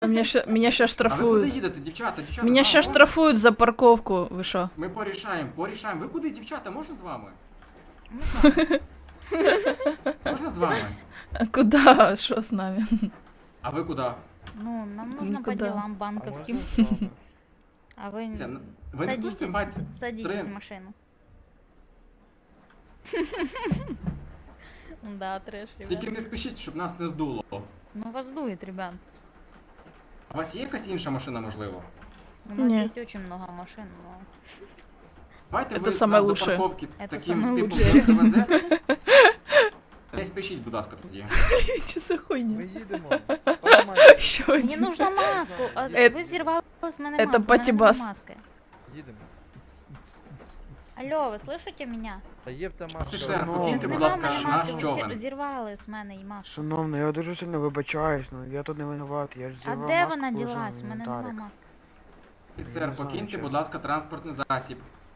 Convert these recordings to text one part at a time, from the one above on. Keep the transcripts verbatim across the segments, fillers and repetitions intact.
Меня ще, меня ще А ви куди штрафують. їдете, дівчата, дівчата? Меня а, ще можна? штрафують за парковку. Ви що? Ми порішаємо, порішаємо. Ви куди, дівчата, можна з вами? Можна з вами? А куди? Що з нами? А ви куди? Ну, нам нужно по Никуда. делам банковским. А вы Це, ви не хочете садитесь, мати... садитесь три- в машину. Да, трэш, Тільки ребят. не спішіть, щоб нас не здуло. Ну вас дует, ребят. У вас є якась інша машина, можливо? У нас Нет. есть очень много машин, но... Давайте Это ви самое нас лучшее. до парковки Это таким самое типом лучшее. привезете. Не спішіть, будь ласка, тоді. Що за Ми хуйня? їдемо. Нормально. Що Мне один? нужно маску, а Это- вы зірвали з мене это маску, мене патібас. нема маски. Їдемо. Алло, ви слышите меня? Та є в те маска. Офіцер, ну, покиньте, будь Нема ласка, в мене наш маски, ви човен. зір- зірвали з мене і маску. Шановний, я дуже сильно вибачаюсь, ну я тут не винуватий, я ж А зірвав де маску, вона положив ділась? в У мене інвентарик. нема маски. Я Офіцер, не знаю, покиньте, чого. будь ласка, транспортний засіб.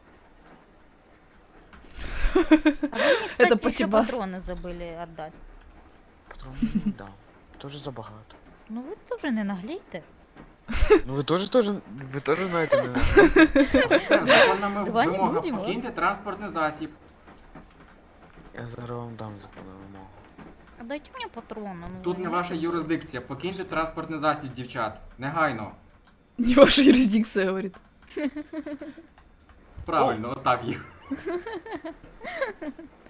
А вы мне, кстати, еще патибас. патроны забыли отдать. Патрон не дав. Дуже забагато. Ну ви теж не наглійте. Ну ви теж теж, ви теж знаєте мене. Офіцер, законна ми- Давай не вимога, будемо. покиньте транспортний засіб. Я зараз вам дам законну вимогу. А дайте мені патрони. Ну, Тут ви не ваша юрисдикція, покиньте транспортний засіб, дівчат. Негайно. Не ваша юрисдикция, говорит. Правильно, отак їх.